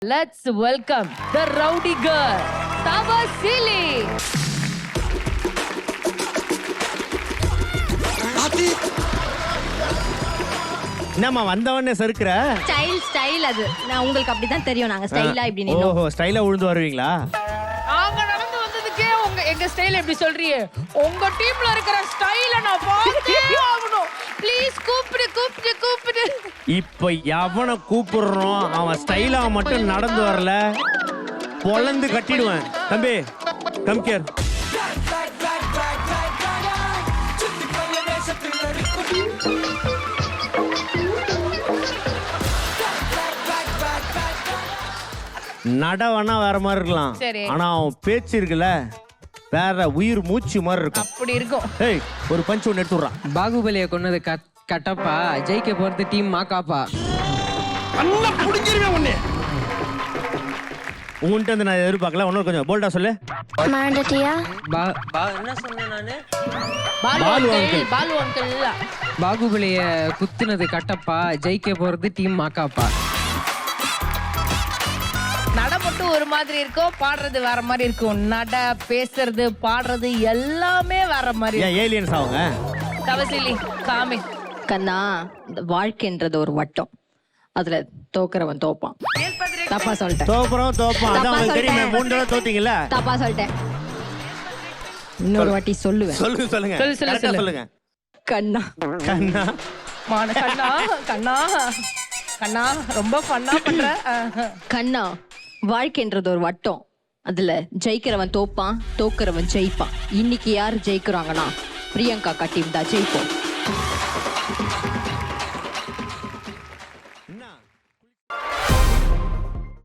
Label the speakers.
Speaker 1: Let's welcome the rowdy girl, Tavasili.
Speaker 2: என்னம்மா வந்தவனே சறுக்குற?
Speaker 3: Style அது. நான் உங்களுக்கு அப்படிதான் தெரியும். நாங்க ஸ்டைலா இப்படி நின்னோம்.
Speaker 2: ஓஹோ, ஸ்டைலா உழுந்து வருவீங்களா?
Speaker 1: நாங்க நடந்து வந்ததுக்கே எங்க ஸ்டைல் எப்படி சொல்றீங்க? உங்க டீம்ல இருக்கிற ஸ்டைல நான் பார்த்தே ஆகணும். ப்ளீஸ் கூப்பிடு.
Speaker 2: இப்ப எவனை கூப்பிடுறோம் அவன் ஸ்டைலா மட்டும் நடந்து வரல பொளந்து கட்டிடுவேன். தம்பி கம் கேர். நடவனா வேற மாதிரி இருக்கலாம், ஆனா அவன் பேச்சு இருக்குல்ல வேற உயிர் மூச்சு மாதிரி இருக்கும்.
Speaker 1: அப்படி இருக்கும்.
Speaker 2: ஏய், ஒரு பஞ்ச் ஒன்று எடுத்துடுறான்.
Speaker 4: பாகுபலியை கொன்னது கட்டப்பா, ஜெயிக்க போறது டீம் மாக்காப்பா.
Speaker 2: உன்கிட்ட வந்து நான் எதிர்பார்க்கல. ஒன்னும் கொஞ்சம் போல்டா சொல்லு.
Speaker 3: மாண்டட்டியா?
Speaker 4: என்ன சொன்னேன் நானு?
Speaker 1: பாலு அங்கிள்.
Speaker 4: பாகுபலிய குத்துனது கட்டப்பா, ஜெயிக்க போறது டீம் மாக்காப்பா.
Speaker 1: நட மட்டும் ஒரு மாதிரி இருக்கும், பாடுறது வேற மாதிரி இருக்கும். நட, பேசுறது, பாடுறது எல்லாமே வேற மாதிரி.
Speaker 2: ஏன் ஏலியன்ஸ் அவங்க?
Speaker 1: தவசிலி காமி.
Speaker 3: கண்ணா, இந்த வாழ்க்கைன்றது ஒரு வட்டம். அதுல தோக்குறவன் தோப்பான். தப்பா சொல்லிட்டேன்.
Speaker 2: தோப்பான். அதான் உங்களுக்கு தெரியுமே, 3 தடவை தோத்தீங்கல்ல.
Speaker 3: தப்பா சொல்லிட்டேன். இன்னொரு வாட்டி சொல்லுவேன்.
Speaker 2: சொல்லுங்க.
Speaker 1: சொல்லு.
Speaker 2: சொல்லுங்க.
Speaker 3: கண்ணா
Speaker 1: கண்ணா ரொம்ப ஃபன்னா பண்ற.
Speaker 3: கண்ணா, வாழ்க்கைன்றது ஒரு வட்டம். அதுல ஜெயிக்கிறவன் தோப்பான், தோக்குறவன் ஜெயிப்பான். இன்னைக்கு யாரு ஜெயிக்கிறாங்கன்னா பிரியங்கா டீம் தான் ஜெயிப்போம்.